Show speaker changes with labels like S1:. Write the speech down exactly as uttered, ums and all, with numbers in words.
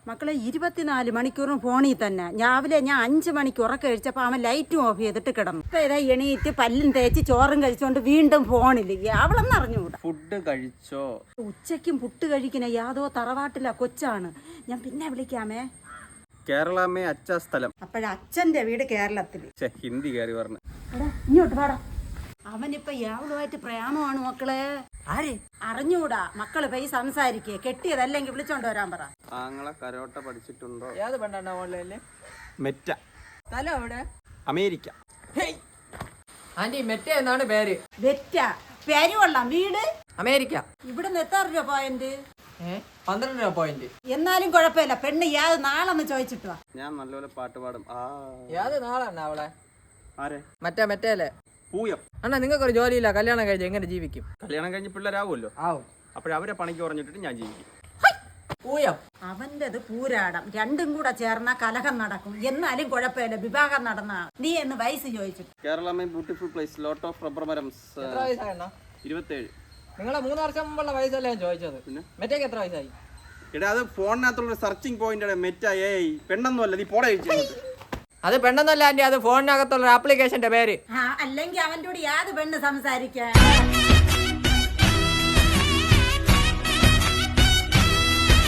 S1: മക്കളെ ഇരുപത്തിനാല് മണിക്കൂറും ഫോണിൽ തന്നെ. രാവിലെ ഞാൻ അഞ്ചു മണിക്ക് ഉറക്കം കഴിച്ചപ്പോൾ അവൻ ലൈറ്റും ഓഫ് ചെയ്തിട്ട് കിടന്നു. ഇപ്പൊ ഇതാ എണീറ്റ് പല്ലും തേച്ച് ചോറും കഴിച്ചോണ്ട് വീണ്ടും ഫോണിൽ. അവളെന്ന് അറിഞ്ഞുകൂടാ.
S2: ഫുഡ് കഴിച്ചോ?
S1: ഉച്ചയ്ക്കും പുട്ട് കഴിക്കുന്ന യാതോ തറവാട്ടില കൊച്ചാണ്. ഞാൻ പിന്നെ വിളിക്കാമേ.
S2: കേരളമേ അച്ഛ സ്ഥലം.
S1: അപ്പോഴ അച്ഛന്റെ വീട് കേരളത്തിൽ.
S2: ഹിന്ദി കയറി പറഞ്ഞു.
S1: ഇങ്ങോട്ട് പാടാ. അവനിപ്പൊ യാവളുമായിട്ട് പ്രേമമാണ് മക്കളെ. ആര് അറിഞ്ഞൂടാ. മക്കള് പോയി സംസാരിക്കേ. കെട്ടിയതല്ലെങ്കിൽ വിളിച്ചോണ്ട് വരാൻ പറ.
S2: ആങ്ങളെ കരോട്ട പഠിച്ചിട്ടുണ്ടോ?
S3: ഏത് പെണ്ണാ ഓൺലൈനില്?
S2: മെറ്റ.
S3: സ്ഥലം എവിടെ?
S2: അമേരിക്ക.
S3: ആന്റി മെറ്റ എന്നാണ് പേര്.
S1: വെറ്റ പേര് കൊള്ളാം. വീട്
S3: അമേരിക്ക.
S1: ഇവിടുന്ന് എത്ര രൂപ പോയിന്റ്?
S3: ഏഹ് പന്ത്രണ്ട് രൂപ പോയിന്റ്.
S1: എന്നാലും കുഴപ്പമില്ല. പെണ്ണ് യാത് നാളെന്ന് ചോദിച്ചിട്ടോ.
S2: ഞാൻ നല്ലപോലെ പാട്ട് പാടും. ആ
S3: ഏത് നാളാണ് അവളെ?
S2: ആരെ?
S3: മറ്റേ മെറ്റേലെ
S2: പൂയം.
S3: അണ്ണാ നിങ്ങൾക്കൊരു ജോലിയില്ല, കല്യാണം കഴിച്ച് എങ്ങനെ ജീവിക്കും?
S2: കല്യാണം കഴിഞ്ഞ് പിള്ളേരാവുമല്ലോ.
S3: ആവും.
S2: അപ്പോഴവരെ പണിക്ക് പറഞ്ഞിട്ട് ഞാൻ ജീവിക്കും.
S3: പൂയം.
S1: അവന്റേത് പൂരാടം. രണ്ടും കൂടെ ചേർന്ന കലഹം നടക്കും. എന്നാലും കുഴപ്പമില്ല. വിവാഹം നടന്ന നീ എന്ന് വയസ്സ് ചോദിച്ചു.
S2: കേരളമേ beautiful place, lot of rubber മരംസ്.
S3: എത്ര വയസ്സായണ്ണ?
S2: ഇരുപത്തേഴ്.
S3: നിങ്ങളെ മൂന്ന് വർഷം മുമ്പുള്ള വയസ്സല്ലേ ഞാൻ ചോദിച്ചത്.
S2: പിന്നെ
S3: മെറ്റയ്ക്ക് എത്ര വയസ്സായി?
S2: എടാ അത് ഫോണിനകത്തുള്ള സെർച്ചിങ് പോയിന്റ്. മെറ്റ ഏയ് പെണ്ണൊന്നും അല്ല. നീ പോടെ കഴിച്ചു.
S3: അത് പെണ്ണെന്നല്ല ആന്റി, അത് ഫോണിനകത്തുള്ള ആപ്ലിക്കേഷന്റെ പേര്.
S1: ആ അല്ലെങ്കിൽ അവന്റെ കൂടെ യാത് പെണ്ണ് സംസാരിക്കാൻ.